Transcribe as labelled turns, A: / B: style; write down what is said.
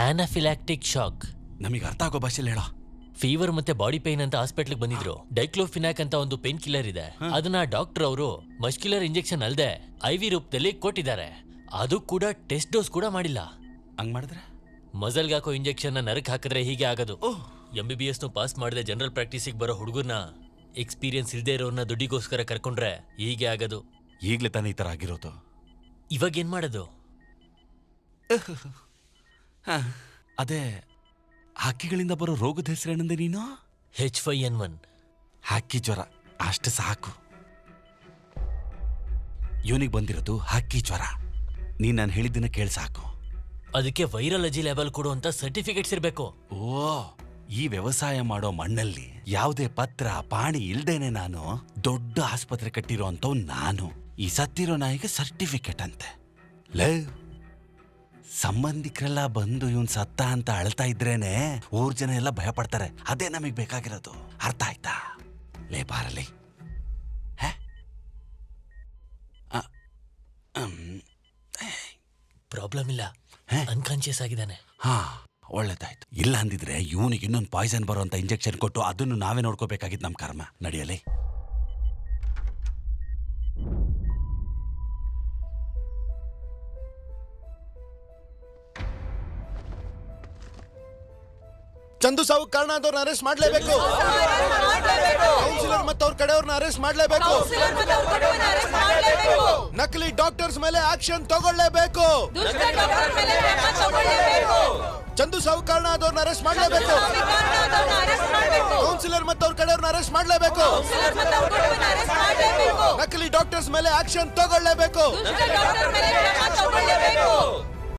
A: ಆನಾಫಿಲಾಕ್ಟಿಕ್ shock.
B: ನಮಗೆ ಅರ್ಥ ಆಗೋ ಭಾಷೆಲಿ ಹೇಳೋ.
A: ಫೀವರ್ ಮತ್ತೆ ಬಾಡಿ ಪೇನ್ ಅಂತ ಹಾಸ್ಪಿಟ್ಲ್ ಬಂದಿದ್ರು. ಡೈಕ್ಲೋಫಿನಾಕ್ ಅಂತ ಒಂದು ಪೇನ್ ಕಿಲ್ಲರ್ ಇದೆ. ಅದನ್ನ ಡಾಕ್ಟರ್ ಅವರು ಮಸ್ಕ್ಯುಲರ್ ಇಂಜೆಕ್ಷನ್ ಅಲ್ಲದೆ IV ರೂಪದಲ್ಲಿ ಕೊಟ್ಟಿದ್ದಾರೆ. ಅದು ಕೂಡ ಟೆಸ್ಟ್ ಡೋಸ್ ಕೂಡ ಮಾಡಿಲ್ಲ.
B: ಹಂಗ್ ಮಾಡಿದ್ರೆ
A: ಮಜಲ್ಗೆ ಹಾಕೋ ಇಂಜೆಕ್ಷನ್ ನರಕ್ ಹಾಕಿದ್ರೆ ಹೀಗೆ ಆಗೋದು. MBBS ಪಾಸ್ ಮಾಡದೆ ಜನರಲ್ ಪ್ರಾಕ್ಟೀಸಿಗೆ ಬರೋ ಹುಡುಗರ್ನ, ಎಕ್ಸ್ಪೀರಿಯನ್ಸ್ ಇಲ್ದೇ ಇರೋರ್ನ ದುಡ್ಡಿಗೋಸ್ಕರ ಕರ್ಕೊಂಡ್ರೆ ಹೀಗೆ ಆಗೋದು.
B: ಈಗ್ಲೇ ತಾನೇ ಈ ತರ ಆಗಿರೋದು.
A: ಇವಾಗ ಏನ್ ಮಾಡೋದು?
B: ಅದೇ ಹಕ್ಕಿಗಳಿಂದ ಬರೋ ರೋಗದ ಹೆಸರೇನಂದೆ ನೀನು?
A: H5N1.
B: ಹಕ್ಕಿ ಜ್ವರ ಅಷ್ಟು ಸಾಕು. ಇವನಿಗೆ ಬಂದಿರೋದು ಹಕ್ಕಿ ಜ್ವರ. ನೀನ್ ನಾನು ಹೇಳಿದ್ದನ್ನ ಕೇಳಿ ಸಾಕು.
A: ಅದಕ್ಕೆ ವೈರಾಲಜಿ ಲೆವೆಲ್ ಕೊಡುವಂತ ಸರ್ಟಿಫಿಕೇಟ್ಸ್ ಇರಬೇಕು.
B: ಓ, ಈ ವ್ಯವಸಾಯ ಮಾಡೋ ಮಣ್ಣಲ್ಲಿ ಯಾವುದೇ ಪತ್ರ ಪಾಣಿ ಇಲ್ದೇನೆ ನಾನು ದೊಡ್ಡ ಆಸ್ಪತ್ರೆ ಕಟ್ಟಿರೋ ಅಂತವ್ ನಾನು. ಈ ಸತ್ತಿರೋ ನಾಯಿಗೆ ಸರ್ಟಿಫಿಕೇಟ್ ಅಂತೆ. ಲೇ, ಸಂಬಂಧಿಕರೆಲ್ಲ ಬಂದು ಇವನ್ ಸತ್ತ ಅಂತ ಅಳ್ತಾ ಇದ್ರೇನೆ ಊರ್ ಜನ ಎಲ್ಲ ಭಯ ಪಡ್ತಾರೆ. ಅದೇ ನಮಗ್ ಬೇಕಾಗಿರೋದು. ಅರ್ಥ ಆಯ್ತಾ? ಲೇ ಬಾರಲಿ.
A: ಪ್ರಾಬ್ಲಮ್ ಇಲ್ಲ, ಅನ್ಕಾನ್ಶಿಯಸ್ ಆಗಿದ್ದಾನೆ.
B: ಹಾ, ಒಳ್ಳೇದಾಯ್ತು. ಇಲ್ಲ ಅಂದಿದ್ರೆ ಇವನಿಗೆ ಇನ್ನೊಂದು ಪಾಯ್ಸನ್ ಬರುವಂತ ಇಂಜೆಕ್ಷನ್ ಕೊಟ್ಟು ಅದನ್ನು ನಾವೇ ನೋಡ್ಕೋಬೇಕಾಗಿತ್ತು. ನಮ್ ಕರ್ಮ. ನಡೆಯಲಿ.
C: ಚಂದು ಸಾವು ಕಾರಣದವ್ರನ್ನ ಅರೆಸ್ಟ್ ಮಾಡಲೇಬೇಕು. ಕೌನ್ಸಿಲರ್ ಮತ್ತು ಅವ್ರ ಕಡೆಯವ್ರನ್ನ ಅರೆಸ್ಟ್ ಮಾಡಲೇಬೇಕು. ನಕಲಿ ಡಾಕ್ಟರ್ಸ್ ಮೇಲೆ ಆಕ್ಷನ್ ತಗೊಳ್ಳೇಬೇಕು. ಚಂದು ಸಾವು ಕಾರಣದವ್ರನ್ನ ಅರೆಸ್ಟ್ ಮಾಡಲೇಬೇಕು. ಕೌನ್ಸಿಲರ್ ಮತ್ತು ಅವ್ರ ಕಡೆಯವ್ರನ್ನ ಅರೆಸ್ಟ್ ಮಾಡಲೇಬೇಕು. ನಕಲಿ ಡಾಕ್ಟರ್ಸ್ ಮೇಲೆ ಆಕ್ಷನ್ ತಗೊಳ್ಳೇಬೇಕು.